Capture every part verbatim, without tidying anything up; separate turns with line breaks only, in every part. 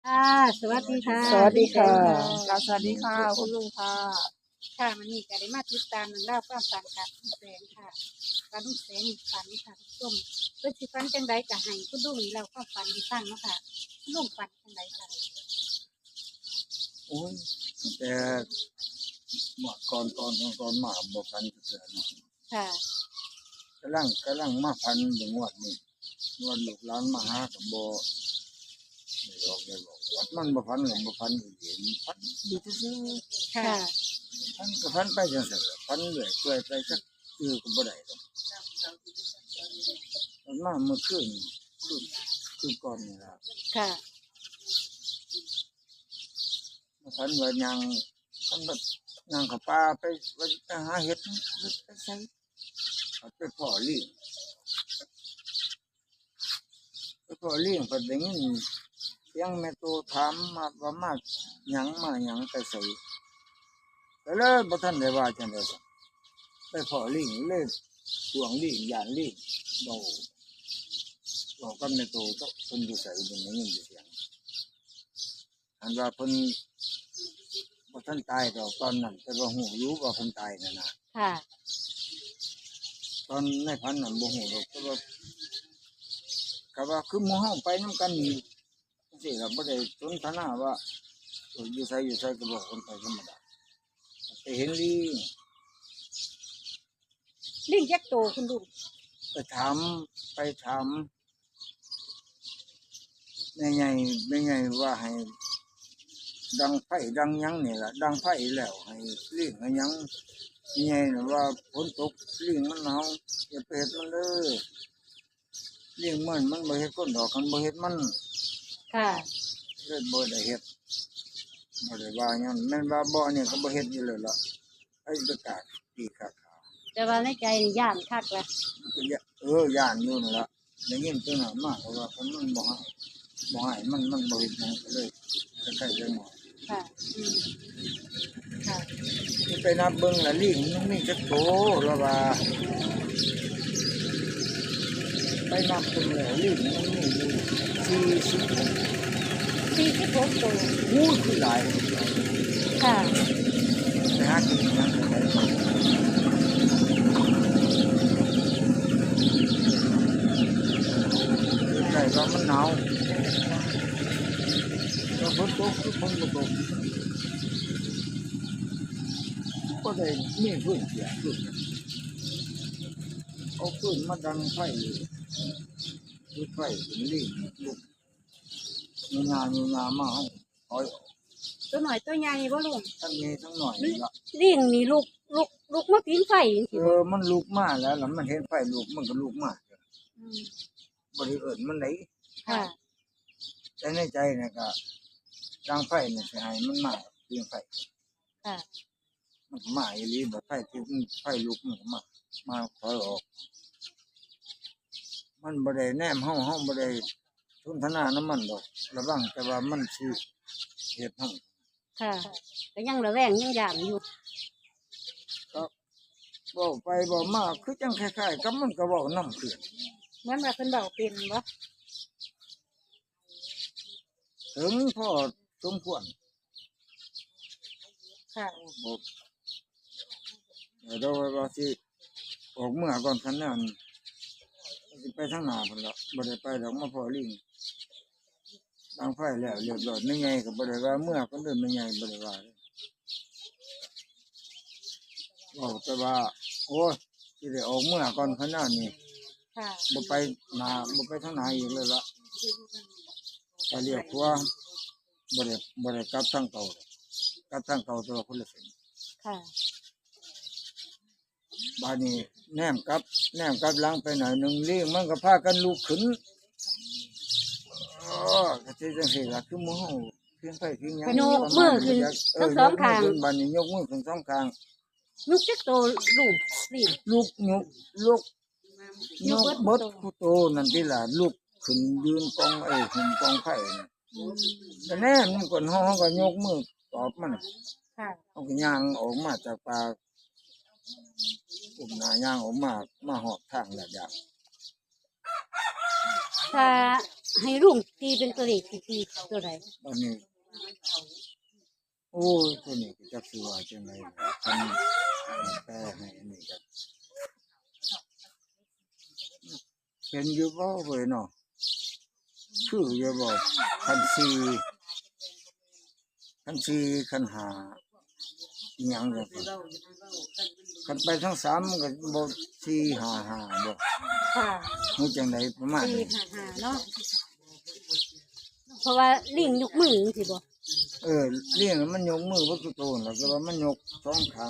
ค่ะสวัสดีค่ะ
สวัสดีค่ะ
ค่ะสวัสดีค่ะคุณลุงค่ะ
ค่ะมันนี่ก็ได้มาติดตามเรื่องราวความฝันค่ะลุงแสงค่ะการลุงแสงนี่ฝันค่ะทุกท่านเพื่อสิฝันจังไดก็ให้คุณลุงนี่เราความฝันที่ฟังเนาะค่ะคุณลุงฝันจังไดค่ะ
โอ้ยแต่เมื่อก่อนตอนก่อนมาบ่พันเสือเนาะ
ค่ะ
กำลังกำลังมาพันอยู่งวดนี้งวดลูกหลานมาหากับบ่ไม่หลอกไม่หลอกวัดมันบ่พันหรือบ่พันอยู่เห็นพันอยู่ซื่อ
ค่ะ
ๆพันก็พันไปจังซั่นล่ะพันเรื่อยเปื่อยไปจักคือก็บ่ได้ดอกมันมาเมื่อคืนคือคือก่อนนี่ล่ะ
ค่ะ
มาพันว่ายังพันแบบยังเข้าป่าไปว่าจะไปหาเห็ดเฮ็ดไปใส่เอาไปพ่อเลี้ยงไปพ่อเลี้ยงเพิ่นได้ยินเสียงแม่โตถามมาว่ามาหยังมาหยังไปใส่ก็เลยบ่ทันได้ว่าจังได๋ซะไปพ่อเลี้ยงเลยสวงเลี้ยงย่านเลี้ยงเบาบอกกับแม่โตเจ้าเพิ่นอยู่ไสเพิ่นได้ยินเสียงอันว่าเพิ่นบ่ทันตายดอกตอนนั้นแต่ว่าฮู้อยู่ว่าเพิ่นตายนั่นน่ะ
ค่ะ
ตอนในพันนั้นบ่ฮู้ดอกแต่ว่าก็ว่าคือหมู่เฮาไปนำกันนี่จังซี่ล่ะบ่ได้สนทนาว่าเอออยู่ไสอยู่ไสก็บอกคนไปธรรมดาไปเห็นลิง
ลิงยักษ์โตคุณลุง
ไปถามไปถามแม่ใหญ่แม่ใหญ่ว่าให้ดังไฟดังหยังนี่ล่ะดังไฟแล้วให้ลิงให้หยังแม่ใหญ่น่ะว่าฝนตกลิงมันหนาวอย่าไปเฮ็ดมันเด้อลิงมันมันบ่เฮ็ดคนดอกคันบ่เฮ็ดมัน
ค่ะ
เลยบ่ได้เฮ็ดบ่ได้ว่าหยังแม่นว่าบ่เนี่ยก็บ่เฮ็ดอยู่แล้วล่ะไอ้ประกาศปีกาขาว
แต่ว่าในใจนี่ย่านคักละ
ก็อย่าเออย่านอยู่นั่นล่ะได้ยินตัวนั้นมาเพราะว่าคนมันบ่ให้บ่ให้มันมันบ่เฮ็ดหยังก็เลยใกล้ๆเลยหมอ
ค่ะอืมค่ะ
ไปนับเบิ่งละลิงมันมีจักโตแล้วว่าไปนับเบิ่งแล้วลิงมันมีอยู่สี่สิบหก
สี่สิบหกโต
อู้ยคือหลาย
ค่ะ
ไปหากินหยังก็ได้ใกล้ว่ามันหนาวก็ฝนตกคือฝนบ่ตกก็ได้มีพื้นเสียพื้นเอาพื้นมาดังไฟจุดไฟเป็นลิงลุกมีงานมีงานมาเอาถอยออก
ตัวหน่อยตัวใหญ่บ่ลุง
ทั้งนี้ทั้งหน่อยนี่ละ
ลิงนี่ลุกลุกลุกมาปีนไฟจัง
เอ
ซี่บ่
อมันลุกมาแล้วแล้วมันเห็นไฟลุกมันก็ลุกมา
อืม
บริเอิญมันไหน
ค่ะ
แต่ในใจเนี่ยก็ดังไฟเนี่ยสิให้มันมาเพียงไฟ
ค่ะ
มันก็มาอีหลีแบบไฟที่มันไฟลุกมันก็มามาถอยออก มันบ่ได้แนมเฮาเฮาบ่ได้ทุนทนาน้ำมันดอกระวังแต่ว่ามันสิเฮ็ดเฮา
ค่ะก็ยังระแวงยังย่านอยู่
ก็เว้าไปเว้ามาคือจังคล้ายๆกับมันก็เว้านำคือ
เหมือนว่าเพิ่นเว้าเป็นบ่
ถึงพอสมควร
ค่ะ
บอกเดี๋ยวเราสิออกเมื่อก่อนคันนั้นสิไปทางหน้าพุ่นละบ่ได้ไปดอกมาพอลิงบางไฟแล้วเรียบร้อยไม่ใหญ่ก็บ่ได้ว่าเมื่อคนอื่นไม่ใหญ่บ่ได้ว่าเลยบอกแต่ว่าโอ้ยสิได้ออกเมื่อก่อนคันนั้นนี่
ค่ะ
บ่ไปหน้าบ่ไปทางหน้าอีกเลยละไปเรียกว่าบ่ได้บ่ได้กลับทางเก่าเลยกลับทางเก่าตัวคนละเส้น
ค่ะ
บาดนี้แนมกลับแนมกลับหลังไปหน่อยหนึงลิงมันก็พากันลุกขึ้นอ๋อก็สิจังซี่ล่ะคือหมู่เฮาเพียงไผเพียงหยัง
ก็ยกมือขึ้นทั้งสองข้าง
เยกมือขึ้นบัดนี้ยกมือขึ้นสองข้าง
ลูกจักโตลูกลิง
ลุกยกลุกย
ยก
ก
เบิ
เบิ
ด
ดผู้โตนั่นติล่ะลุกขึ้นยืนกองไอ้ขึ้นกองไผน่ะ
อืม
แต่แนมมันก่อนเฮาเฮาก็ยกมือตอบมัน
ค่ะ
เฮาก็ย่างออกมาจากป่าอุ้มหน้าย่างออกมามาฮอดทางแล้วจ้ะ
ถ้าให้ลุงตีเป็นตัวเลขสิตีตัวใด
อันนี้โอ้ยตัวนี้ก็จักสิว่าจังได๋คันแปลให้อันนี้ก็เป็นอยู่บ่เว้ยเนาะคืออยู่บ่คันสี่คันสี่คันห้าอิหยังจังซี่คันไปทั้งสามมันก็บ่สี่ห้าห้าบ่
ค่ะ
ฮู้จังไดประมาณ
สี่
นี้
ห้าห้าเนาะเพราะว่าลิงยกมือจังซี่บ่
เออเลี้ยงมันยกมือบ่ตุโตนแล้วก็ว่ามันยกสองข้าง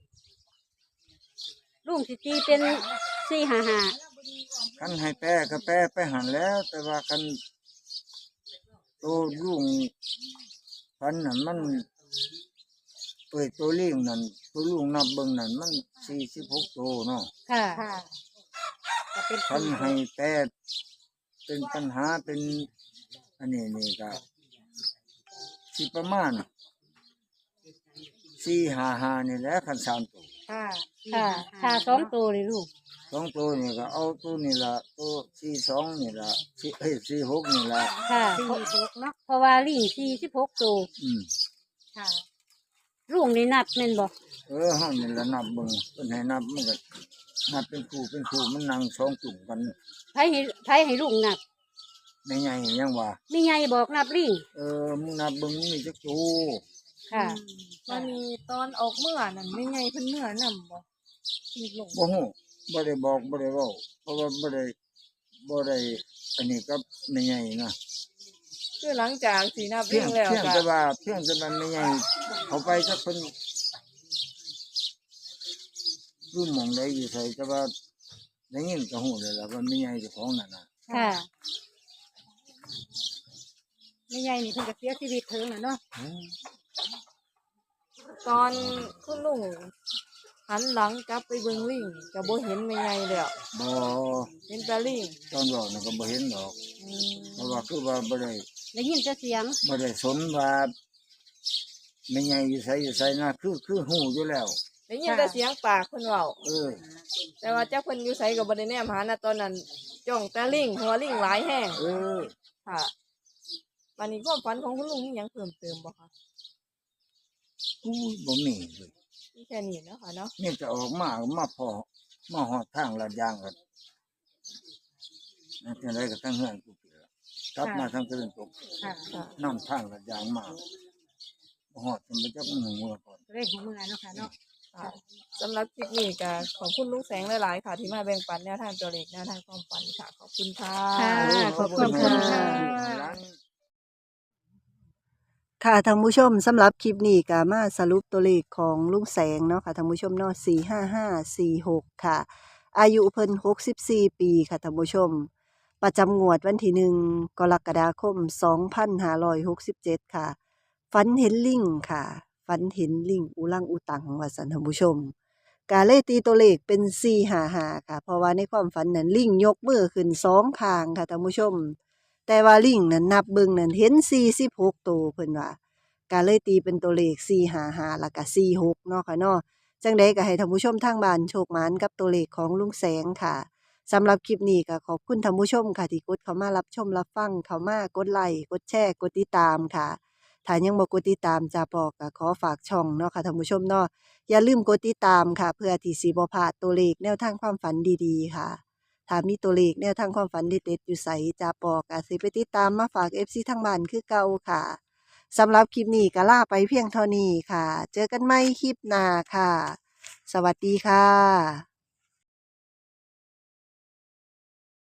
ลุงสิตีเป็นสี่ห้าห้า
คันให้แปรก็แปรไปหันแล้ว แต่ว่าคันตัวลุงพันนั่นมันเปิดตัวเลี้ยงนั่นตัวลุงนับเบิ่งนั่นมันสี่สิบหกตัวเนาะ
ค่ะก็เป็น
คันให้แปรเป็นปัญหาเป็นอันนี้นี่ก็สิประมาณสี่ห้าห้านี่แหละคันสามตัว
ค่ะค่ะค่ะสองตัวเลยลูก
สองตัวนี่ก็เอาตัวนี่ละตัวสี่สองนี่ละสี่เอ้ยสี่หกนี่ละ
ค่ะสี่หกเนาะเพราะว่าลิงสี่สิบหกตัว
อืม
ค่ะลุงนี่นับแม่นบ่
เออห้องนี่ละนับเบิ่งเพิ่นให้นับมันก็นับเป็นคู่เป็นคู่มันนั่งสองตุ่มกัน
ไผให้ไผให้ลุงนับ
ไม่ใหญ่ยังว่า
มีไงบอกนับลิง
เออมึงนับเบิ่งมีจักตัว
ค่ะ
มันมีตอนออกเมื่อนั่นไม่ไงเพิ่นเมื่อนำบ่มีลง
บ่ฮู้บ่ได้บอกบ่ได้เว้าเพราะว่าบ่ได้บ่ได้อันนี้ก็ไม่ใหญ่นะ
คือหลังจากสีนับ
เพี
ลิ
ยง
งแล้ว
เพียง
ก็
แต่ว่าเพียงแต่ว่าไม่ใหญ่เขาไปสักเพิ่นรู้หม่องใดอยู่ไสแต่ว่าได้ยินก็ฮู้เลยล่ะว่าไม่ใหญ่เจ้าของนั่นน่ะ
ค่ะไม่ไงนี่เพิ่นก็เสียชีวิตเถิงน่ะเนาะ
ตอนคุณลุงหันหลังกลับไปเบิ่งลิงก็บ่เห็นไม่ไงแล้ว
บ่
เห็นแต่ลิง
ตอนบอกน่ะก็บ่เห็นดอก
อืม
เพราะว่าคือว่าบ่ได้
ได้ยินแต่เสียง
บ่ได้สนว่าไม่ใหญ่อยู่ไสอยู่ไสนะคือคือฮู้อยู่แล้ว
ได้ยินแต่เสียงปากเพิ่นเว้า
เออ
แต่ว่าจักเพิ่นอยู่ไสก็บ่ได้แนมหานะตอนนั้นจ้องแต่ลิงหัวลิงหลายแห้ง
เออ
ค่ะวันนี้ความฝันของคุณลุงมีหยังเพิ่มเติมบ่คะ
อู้ยบ่มีเลย
มีแค่นี้เนาะค่ะเนาะ
นี่จะออกมาก็มาพอมาฮอดทางลาดยางกันนั่นจังไดก็ทั้งเฮือนกูเปล่ากลับมาทางตะวันตก
ค่ะ
ค่ะ
นำทางลาดยางมาบ่ฮอดจนบ่จักมือมือก่อน
เรื่องของมือเนาะค่ะเนาะ
ค่ะสำหรับคลิปนี้ก็ขอบคุณลุงแสงหลายๆค่ะ ที่มาแบ่งปันแนวทางตัวเลขแนวทางความฝันค่ะ ขอบคุณค่ะ
ค่ะ
เออ
ขอบคุณค่ะ
ร้าน
ค่ะท่านผู้ชมสำหรับคลิปนี้ก็มาสรุปตัวเลขของลุงแสงเนาะค่ะท่านผู้ชมเนาะสี่ห้าห้าสี่หกค่ะ อายุเพิ่นหกสิบสี่ปีค่ะท่านผู้ชม ประจำงวดวันที่หนึ่งกรกฎาคมสองพันห้าร้อยหกสิบเจ็ดค่ะฝันเห็นลิงค่ะฝันเห็นลิงอุลังอุตังว่าสันท่านผู้ชมกาเลยตีตัวเลขเป็นสี่ห้าห้าค่ะ เพราะว่าในความฝันนั้นลิงยกมือขึ้นสองข้างค่ะท่านผู้ชม แต่ว่าลิงนั้นนับเบิ่งนั้นเห็นสี่สิบหกตัวเพิ่นว่าก็เลยตีเป็นตัวเลขสี่ห้าห้าแล้วก็สี่หกเนาะค่ะเนาะจังใดก็ให้ท่านผู้ชมทางบ้านโชคหมานกับตัวเลขของลุงแสงค่ะสำหรับคลิปนี้ก็ขอบคุณท่านผู้ชมค่ะที่กดเข้ามารับชมรับฟังเข้ามากดไลค์กดแชร์กดติดตามค่ะถ้ายังบ่กดติดตามจาปอก็ขอฝากช่องเนาะค่ะท่านผู้ชมเนาะอย่าลืมกดติดตามค่ะเพื่อที่สิบ่พลาดตัวเลขแนวทางความฝันดีๆค่ะ ถ้ามีตัวเลขแนวทางความฝันเด็ดๆอยู่ไสจาปอกอาจสิไปติดตามมาฝาก เอฟ ซี ทางบ้านคือเก่าค่ะสำหรับคลิปนี้ก็ลาไปเพียงเท่านี้ค่ะ เจอกันใหม่คลิปหน้าค่ะ สวัสดีค่ะ